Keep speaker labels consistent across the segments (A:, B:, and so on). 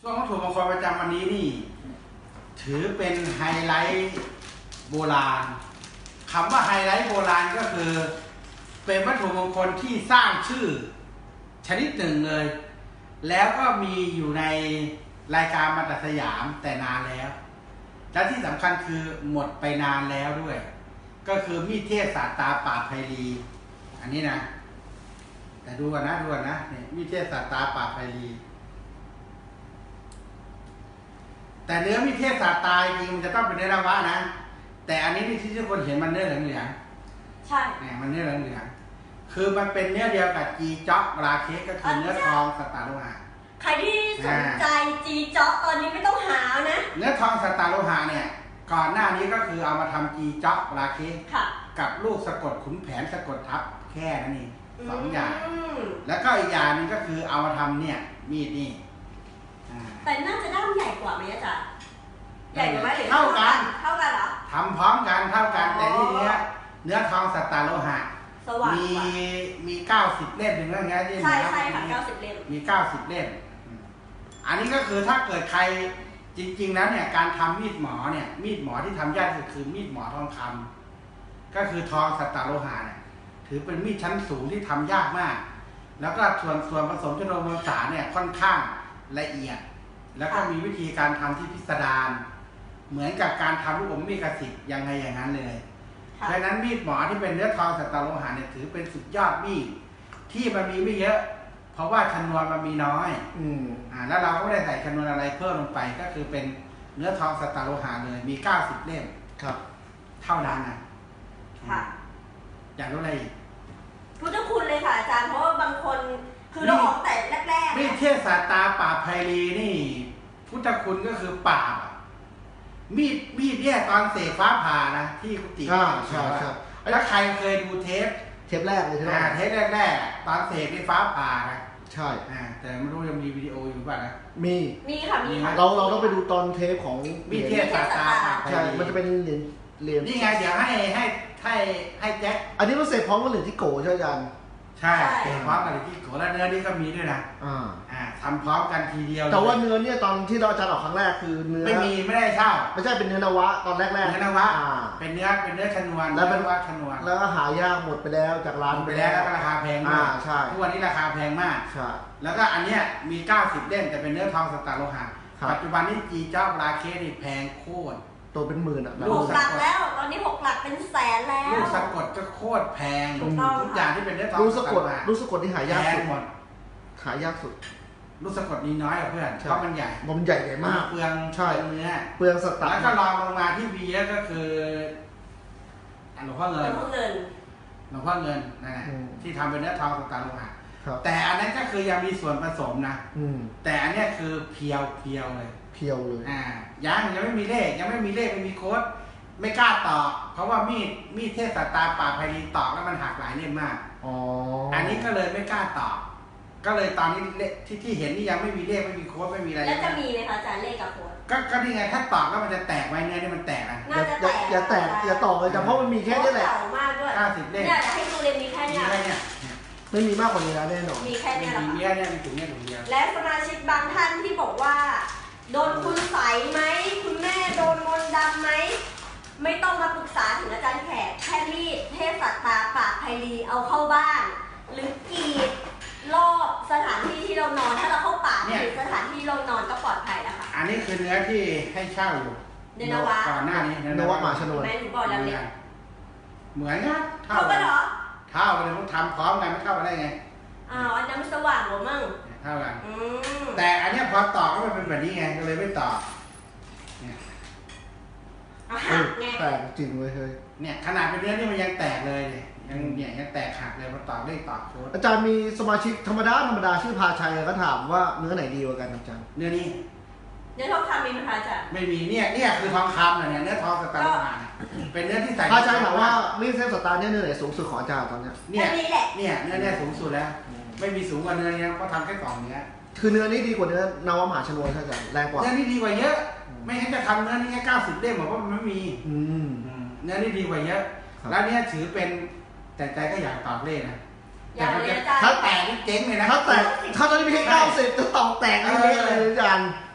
A: ช่วงวัตถุมงคลประจำวันนี้นี่ถือเป็นไฮไลท์โบราณคำว่าไฮไลท์โบราณก็คือเป็นวัตถุมงคลที่สร้างชื่อชนิดหนึ่งเลยแล้วก็มีอยู่ในรายการมาตัดสยามแต่นานแล้วและที่สำคัญคือหมดไปนานแล้วด้วยก็คือมีดเทพศาสตราปราบไพลีอันนี้นะแต่ดูกันนะเนี่ยมีดเทพศาสตราปราบไพลีแต่เนื้อมีดเทพศาสตราจริงมันจะต้องเป็นเนื้อนวะนะแต่อันนี้ที่ทุกคนเห็นมันเนื้อเหลือง
B: ใช่
A: เนี่ยมันเนื้อเหลืองคือมันเป็นเนื้อเดียวกับจีจ๊อกราเคสก็คือเนื้อทองสตาร์โลหะ
B: ใครที่สนใจจีจ๊อกตอนนี้ไม่ต้องหานะ
A: เนื้อทองสตาร์โลหะเนี่ยก่อนหน้านี้ก็คือเอามาทำจีจ๊อกราเคสกับลูกสะกดขุนแผนสะกดทับแค่นั้นเองสองอย่างแล้วก็อีกอย่างนึงก็คือเอามาทำเนี่ยมีดนี่
B: แต่น่าจะด้ามใหญ่กว่าไหมอาจารย์ใหญ่กว่าไหมหรือ
A: เท่ากัน
B: เหรอ
A: ทำพร้อมกันเท่ากันแต่นี่เนื้อทองสตาร์โลหะมี90 เล่มถึงแล้วไงที่
B: ใช่ค่ะ90 เล่ม
A: มี90 เล่มอันนี้ก็คือถ้าเกิดใครจริงๆแล้วเนี่ยการทำมีดหมอเนี่ยมีดหมอที่ทำยากที่สุดคือมีดหมอทองคำก็คือทองสตาร์โลหะเนี่ยถือเป็นมีดชั้นสูงที่ทำยากมากแล้วก็ส่วนผสมชนวนมวลสารเนี่ยค่อนข้างละเอียดแล้วก็มีวิธีการทำที่พิสดารเหมือนกับการทำลูกอมมีดกระสิบยังไงอย่างนั้นเลยเพราะนั้นมีดหมอที่เป็นเนื้อทองสตาร์โลหะเนี่ยถือเป็นสุดยอดมีดที่มันมีไม่เยอะเพราะว่าชนวนมันมีน้อยแล้วเราก็ไม่ได้ใส่ชนวนอะไรเพิ่มลงไปก็คือเป็นเนื้อทองสตาร์โลหะเลยมี90 เล่ม
C: ครับ
A: เท่านั้นนะ
B: ค่ะ
A: อยากรู้อะไรอีก
B: พุทธคุณเลยค่ะอาจารย์เพราะว่าบางคนคือเราออกแต่แรก
A: ๆมีดเทพศาสตราปราบไพลีนี่พุทธคุณก็คือปราบมีดเนี่ยตอนเสกฟ้าผ่านะที่กุฏิ
C: ใช่
A: แล้วใครเคยดูเทป
C: แรกเลยใช่ไหม
A: เทปแรกตอนเสกในฟ้าผ่านะ
C: ใช่
A: แต่ไม่รู้ยังมีวิดีโออยู่ป่ะนะ
B: มีค่ะ
C: เราต้องไปดูตอนเทปของ
A: มีเทพศาสตรา
C: ใช่มันจะเป็นเหรียญ
A: นี่ไงเดี๋ยวให้แจ็ค
C: อันนี้มันเสกพร้อมกับเหรียญที่โกใช่ไหมอาจารย์
A: ใช่พร้อมกับที่โกและเนื้อนี่ก็มีด้วยนะทำพร้อมกันทีเดียว
C: แต่ว่าเนื้อเนี่ยตอนที่เราอาจารย์ออกครั้งแรกคือเนื้อ
A: ไม่ได้เช่า
C: ไม่ใช่เป็นเนื้อนวะตอนแรก
A: เนื้อนวะเป็นเนื้อชนวน
C: แล้วเป็นชนวนแล้วหายากหมดไปแล้วจากร้าน
A: ไปแล้วก็ราคาแพงมาก
C: ใช่
A: ทุกวันนี้ราคาแพงมาก
C: ใช่
A: แล้วก็อันเนี้ยมี90 เล่มแต่เป็นเนื้อทองสตาร์โลหะปัจจุบันนี้จีจ๊อกราเคสนี่แพงโคตร
C: ตัวเป็นหมื่น
B: 6 หลักแล้วตอนนี้6 หลักเป็นแสนแล้ว
A: ลูกสะกดก็โคตรแพงทุกอย่างที่เป็นเนื้อทอง
C: ลูกสะกดที่หายากสุด
A: หมด
C: หายากสุด
A: ลูกสะกดนี้น้อยกว่าเพื่อนเพราะมันใหญ่
C: มาก
A: เปลือง
C: ใช่
A: เนื้อ
C: เปลืองสตาร์
A: แล้วก็รองลงมาที่วีก็คือหลวงพ่อเงินนั่นแหละที่ทำเป็นเนื้อทองสตาร์โลหะแต่อันนั้นก็คือยังมีส่วนผสมนะแต่อันนี้คือเพียวเลยยังไม่มีเลขไม่มีโค้ดไม่กล้าตอกเพราะว่ามีดเทพศาสตราปราบไพลีตอกแล้วมันหักหลายเล่มมากอันนี้ก็เลยไม่กล้าตอกก็เลยตอนนี้ที่เห็นนี่ยังไม่มีเลขไม่มีโค้ดไม่มีอะไร
B: แล้วจะมีไหมคะอาจารย์เลขกับโค้ด
A: ก็นี่ไงถ้าตอกแล้วมันจะแตกไว้เนื้อนี่มันแตกนะ
C: อย่าตอกเลยแต่เพราะมันมีแค่นี้แหละ
A: 90 เล่ม
B: เนี่ยจะให้ดูเลยมีแค่นี้
C: ไม่มีมากกว่านี้แล้วแน่นอน
B: มีแค่นี้แหละ
A: มีมีถุงเดียว
B: และสมาชิกบางท่านที่บอกว่าโดนคุณใสไหมคุณแม่โดนมนต์ดำไหมไม่ต้องมาปรึกษาถึงอาจารย์แขกแค่มีดเทพศาสตราปราบไพลีเอาเข้าบ้านหรือกรีดรอบสถานที่ที่เรานอนถ้าเราเข้าป่าหรือสถานที่เรานอนก็ปลอดภัยแล้วค่ะ
A: อันนี้คือเนื้อที่ให้เช่าอยู่
B: ในนวะ
A: ก่อนหน้านี้
C: นวะหมาชนวน
B: แม่หนูบอกแล้วเนี่ย
A: เหมือนนะ
B: เท่ากันเหรอ
A: เท่ากันต้องทำพร้อมกันไม่เท่ากันได้ไง
B: อันนั้นมันสว่างหรือมั่ง
A: เท่ากันแต่อันนี้พอต่อก็มันเป็นแบบนี้ไงก็เลยไม่ต่อ
C: แตกจริงเลย
A: เนี่ยขนาดเป็นเนื้อนี่มันยังแตกเลยเนี่ยยังแตกหักเลยพอต่อเลขต่อโค้ด
C: อาจารย์มีสมาชิกธรรมดาชื่อพาชัยก็ถามว่าเนื้อไหนดีกว่ากันอาจารย์
A: เนื้อนี้
B: เนื้อทองคำมีไหมคะอาจารย์
A: ไม่มีเนี่ยคือทองคำเนี่ยเนื้อทองสตาร์โลหะเป็นเนื้อที่ใส่
C: พาชัยถามว่ามีเส้นสตาร์เนื้อไหนสูงสุดของอาจารย์ตอนนี้
A: เนี่ยเนื้อสูงสุดแล้วไม่มีสูงกว่าเนื้อนี้เพราะทำแค่กล่องเนื้อ
C: คือเนื้อนี้ดีกว่าเนื้อนวมหาชนวนใช่ไหมแรงกว่า
A: เนื้อนี้ดีกว่าเยอะไม่งั้นจะทำเนื้อนี้แค่90 เล่มบอกว่ามันไม่มีเนื้อนี้ดีกว่าเยอะแล้วเนี่ยถือเป็นแต่ใจก็อยากตอกเลขนะถ้าแตกนี่เจ๊งเลยนะ
C: ถ้าตอนนี้ไม่ใช่90จะตอกแตกเลยอาจารย์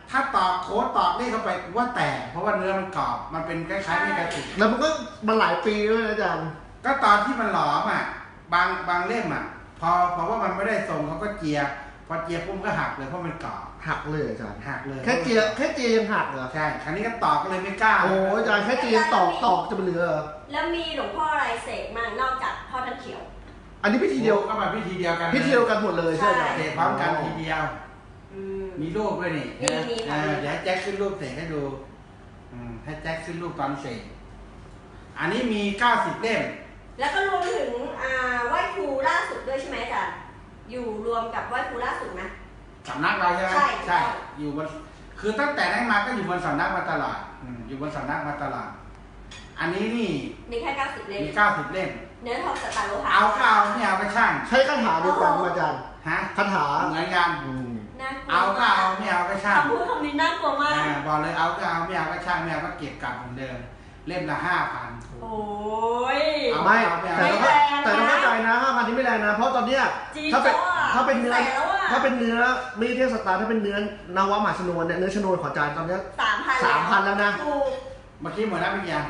A: ถ้าตอกโค้ดตอกเลขเข้าไปว่าแตกเพราะว่าเนื้อมันกรอบมันเป็นคล้ายๆมีกระติก
C: แล้วมันก็มาหลายปีด้วยนะอาจารย์
A: ก็ตอนที่มันหลอมอ่ะบางเล่มอ่ะพอว่ามันไม่ได้ทรงเขาก็เจียพอเจียปุ๊บก็หักเลยเพราะมันกรอบ
C: หักเลยอาจารย์
A: หักเลย
C: แค่เจียยังหักเหรอ
A: ใช่ครั้นี้ก็ตอกก็เลยไม่กล้า
C: โอ้อาจารย์แค่เจียตอกจะเป็นเหลือ
B: แล้วมีหลวงพ่ออะไรเสกมั่งนอกจากพ่อท่านเขียว
C: อันนี้พิธีเดียว
A: ก็มาพิธีเดียวกัน
C: พิธีเดียวกันหมดเลยใช่ไหม
A: เสกพร้อมกันทีเดียว
B: อืม
A: มีรูปด้วยนี่
B: มีค่ะ
A: เดี๋ยวให้แจ็คขึ้นรูปเสกให้ดูให้แจ็คขึ้นรูปตอนเสกอันนี้มี90เล่ม
B: แล้วก็รวมถึงไหว้ครูล่าสุดด้วยใช่ไหมอาจารย์อยู่รวมกับไหว้ครูล่าสุดไหม
A: สำนักเราใช่ไหม
B: ใช่
A: อยู่บนคือตั้งแต่นั้นมาก็อยู่บนสำนักมาตลอดอยู่บนสำนักมาตลอดอันนี้นี่
B: มีแค่90เล่ม
A: มี90เล่ม
B: เนื้อทองสตาร์โลหะ
A: เอาก็เอาไม่เอาก็ช่าง
C: ใช้คาถาเดียวกันอาจารย์
A: ฮะ
C: คาถา
A: เหมือนกัน
B: น่ากลัว
A: เอาก็เอาไม่เอาก็ช่าง
B: คำพูดคำนี้น่ากลัวมาก
A: บอกเลยเอาก็เอาไม่เอาก็ช่างไม่เอาก็เก็บกลับเหมือนเดิมเล่มละ5,000
B: โอ้ย
A: เอา
C: ไม่
B: ไม่แรงนะ
C: แต่ต้องเข้าใจนะ5,000ที่ไม่แรงนะเพราะตอนเนี้ย
B: จริง
C: ถ้าเป็น
B: จ้ะ
C: ถ้าเป็นเนื้อ
B: แสนแล้วอะ
C: ถ้าเป็นเนื้อไม่เทพสตาร์ถ้าเป็นเนื้อนวมหาชนวนเนี่ยเนื้อชนวนของอาจารย์ตอนเนี้ย
B: 3,000
C: แล้วนะ
B: ถูก
A: เมื่อกี้หมดแล้วเป็นยัง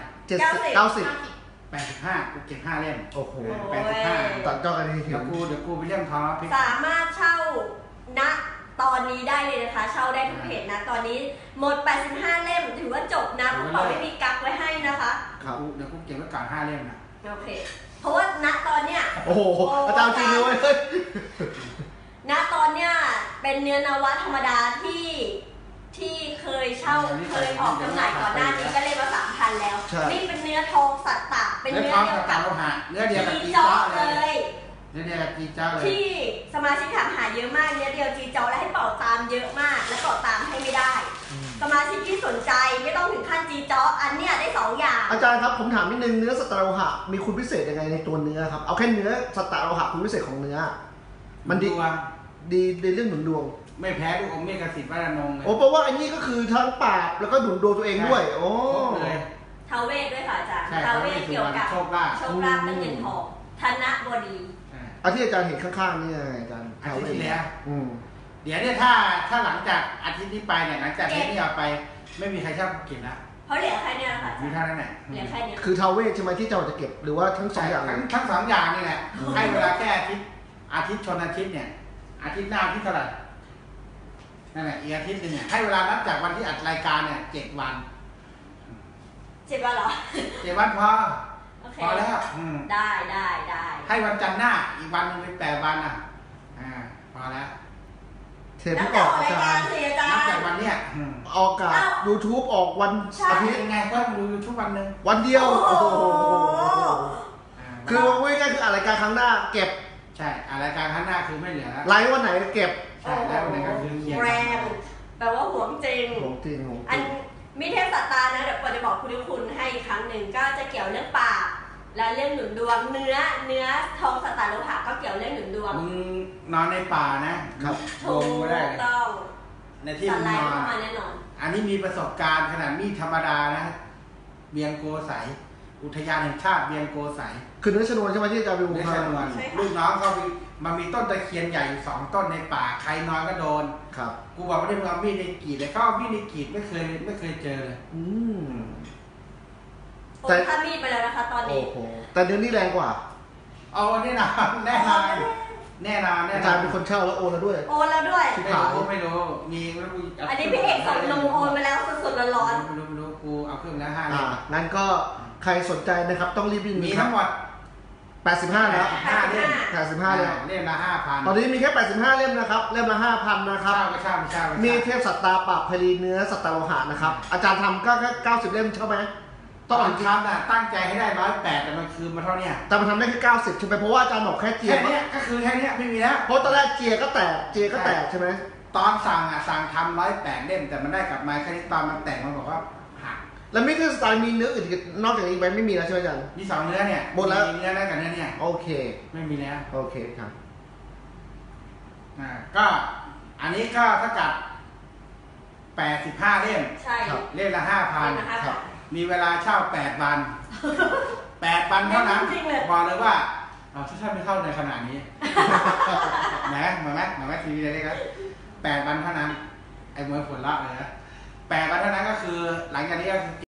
C: 70 90
A: 85กูเก็บ5เล่ม
C: โอ้โห
B: โอ้ย
C: ตัดจอกันที
A: เดี๋ยวกูไปเล่มทองแล้วพี่
B: สามารถเช่าณตอนนี้ได้เลยนะคะ เช่าได้ทุกเพจนะ ตอนนี้หมด 85 เล่มถือว่าจบนะเพราะเขาไม่มีกักไว้ให้นะคะ
C: ครับ
A: เดี๋ยวกูเก็บไว้ก่อน5เล่มนะ
B: โอเค เพราะว่าณตอนเนี้ย
C: โอ้โหอาจารย์จริงเลยเว้ย
B: ณตอนเนี้ยเป็นเนื้อนวะธรรมดาที่เคยเช่าเคยออกจำหน่ายก่อนหน้านี้ก็เล่มละ 3,000 แล้ว นี่เป็นเนื้อทองสัตตะเป็น
A: เนื้อ
B: เนื้
A: ท
B: อ
A: อง
B: เดียว
A: กั
B: กั
A: บบ โลหะเนื้อเดียวกับ
B: จี
A: จี
B: จ๊อ
A: จ้อ
B: เล
A: เลย
B: ย
A: เนื้อเดียวกับจีจ้อเลย
B: ที่สมาชิกถามหาเยอะมากเนื้อเดียวจีจ๊อและให้เป่าตามเยอะมาก และเป่าตามให้ไม่ได้ สมาชิกที่สนใจไม่ต้องถึงขั้นจีจ๊ออันเนี้ยได้2อย่าง
C: อาจารย์ครับผมถามนิดนึงเนื้อสตาร์โลหะมีคุณพิเศษยังไงในตัวเนื้อครับเอาแค่เนื้อสตาร์โลหะคุณพิเศษของเนื้อ มันดี
A: ดวง
C: ดีในเรื่องหนุนดวง
A: ไม่แพ้ลูกอมเมฆสิทธิ์วัดนงเลย
C: โอ้แปลว่าอันนี้ก็คือทั้งปราบแล้วก็หนุนดวงตัวเองด้วยโอ้
A: ครบเลย
B: ทาวเวทด้วยค่ะอาจารย์
A: ใช่
B: ทาวเวทเกี่ยวกับ
A: โชคลาภ
B: โชคลาภและเงินทองธนบดี
C: อาที่อาจารย์เห็นข้างๆนี่ไงอาจารย์
A: อาทิตย์ที่แล้ว
C: อืม
A: เดี๋ยวเนี่ยถ้าหลังจากอาทิตย์นี้ไปเนี่ยหลังจากเทปนี้เอาไป ไม่มีใครชอบกินละ
B: เพราะเหลือแค่เนี้ยค่ะอา
A: มี
B: จารย์
A: เท่านั้นแหละ
B: เหลือแค่เนี้ย
C: คือทาวเวทใช่ไหมที่เจ้าจะเก็บหรือว่าทั้งสองอย่างเลย
A: ทั้งสองอย่างนี่แหละให้เวลาแค่อาทิตย์ชนอาทิตย์เนี่ยอาทิตย์หน้าอาทิตย์เท่าไหร่นั่นแหละอีกอาทิตย์นึงเนี่ยให้เวลานับจากวันที่อัดรายการเนี่ย7 วัน
B: 7 วันเหรอ
A: 7 วันพอ
B: โอเค
A: พอแล้ว
B: ได้
A: ให้วันจันทร์หน้าอีกวันนึงเป็น8 วันอ่ะพอแล้ว
C: เทปที่ออกอาจารย์
B: สิอาจาร
A: นับ
B: ย์
A: จากวันเนี้ย
C: ออกกับ YouTube ออกวัน
B: ใช่
C: อา
A: อา
C: ทิ
A: ทิ
C: ต
A: ต
C: ย์
A: ย์ยังไงก็ดูทุกวันหนึ่ง
C: วันเดียว
B: โอ้โห
C: คือว่าง่ายๆคืออะไรายการครั้งหน้าเก็บ
A: ใช่รายการข้างหน้าคือไม่เหลือแล้ว
C: ไลฟ์วันไหนเก็บ
A: ใช่แล้ววันไหนก็คือเคลียร์
B: แรงแปลว่าหวงจริง
C: ของจริงของจ
B: อั
C: ริ
B: น
C: ง
B: มิเทพสัตตานะเดี๋ยวปอจะบอกคุณให้อีกครั้งหนึ่งก็จะเกี่ยวเรื่องปากและเรื่องหนุนดวงเนื้อทองสตาร์โลหะก็เกี่ยวเรื่องหนุนดวง
A: มึงนอนในป่านะครับ ล
B: ถู
A: งไม่ได้
B: ก
A: เลย
B: ต้อง
A: ในที่
B: ส
A: มึง
B: ไล
A: น
B: ด์
A: อน
B: เข้ามาแน่นอน
A: อันนี้มีประสบการณ์ขนาดมีดธรรมดานะเบียงโกไสยอุทยานแห่งชาติเบียงโกไสย
C: คือเนื้อชนวนใช่ไหมที่อาจารย์วิว
A: เนื้อ
C: มา
A: ชนวนลูกน้องเขามันมีต้นตะเคียนใหญ่อยู่2 ต้นในป่าใครนอนก็โดน
C: ครับ
A: กูบอกว่าได้มึงเอามีดในกรีดเลยเขาเอามีดในกรีดไม่เคยเจอเลย
C: อืม
B: โอนค่ามีดไปแล้วนะคะตอน
C: โอ้
B: นี้
C: โหแต่เดือนนี้แรงกว่า
A: เอาแน่นอนแน่นอนแน่นอน
C: อาจารย์เป็นคนเช่าแล้วโอนแล้วด้วย
B: โอนแล้วด้วย
A: ไม่รู้มีแล้วกู
B: อันนี้พี่เอกส่งลงโอนไปแล้วสดๆร้อน
A: ไม่รู้กูเอาเครื่องแล้ว5
C: อ่างั้นก็ใครสนใจนะครับต้องรีบวิ่ง
A: มี
C: ครั
A: ทั้
C: บ
A: งหมด
C: 85แล้ว
A: 5 เล่ม
C: 85แล้ว
A: เล่มละ 5,000
C: ตอนนี้มีแค่85เล่มนะครับเล่มละ 5,000 นะครับ
A: เช่า
C: มีเทพสัตตาปราบพลีเนื้อสัตตาโลหะนะครับ อาจารย์ทำก็แค่90 เล่มใช่ไหม
A: ต
C: ต้
A: อ
C: อง
A: นทำน่ะตั้งใจให้ได้108แต่มันคือมาเท่าเนี้ย
C: แต่มันทำได้แค่90ใช่ไหมเพราะว่าอาจารย์บอกแค่เจีย
A: แค่เนี้ยก็คือแค่เนี้ยไม่มีแล้ว
C: เพราะตอนแรกเจียก็แตกเจียก็แตกใช่ไหม
A: ตอนสั่งทำ108เล่มแต่มันได้กลับมาแค่นี้ตอนมันแต่งมันบอกว่าหัก
C: แล้วมิเตอร์สไตล์มีเนื้ออื่นอีกนอกจากนี้ไหมไม่มีแล้วใช่ไหมอาจารย์
A: มี2 เนื้อเนี่ย
C: หมดแล้ว
A: มีเนื้อนั้นกับเนื้อเนี่ย
C: โอเค
A: ไม่มีแล้ว
C: โอเคครับ
A: ก็อันนี้ก็เท่ากับ85 เล่ม
B: ๆใช่
C: ครับ
A: เล่มละ
B: นะ
A: 5,000
B: คะ
C: ครับ
A: มีเวลาเช่า8 วัน 8 วันเท่านั้น
B: จริงๆเลย
A: บอกเลยว่าถ้าไม่เข้าในขนาดนี้ แหมเหมือนไหมทีวีเล็กๆ8 วันเท่านั้น ไอมวยผลลัพธ์เลยนะแปลกกันเท่านั้นก็คือหลังจากนี้ก็คือ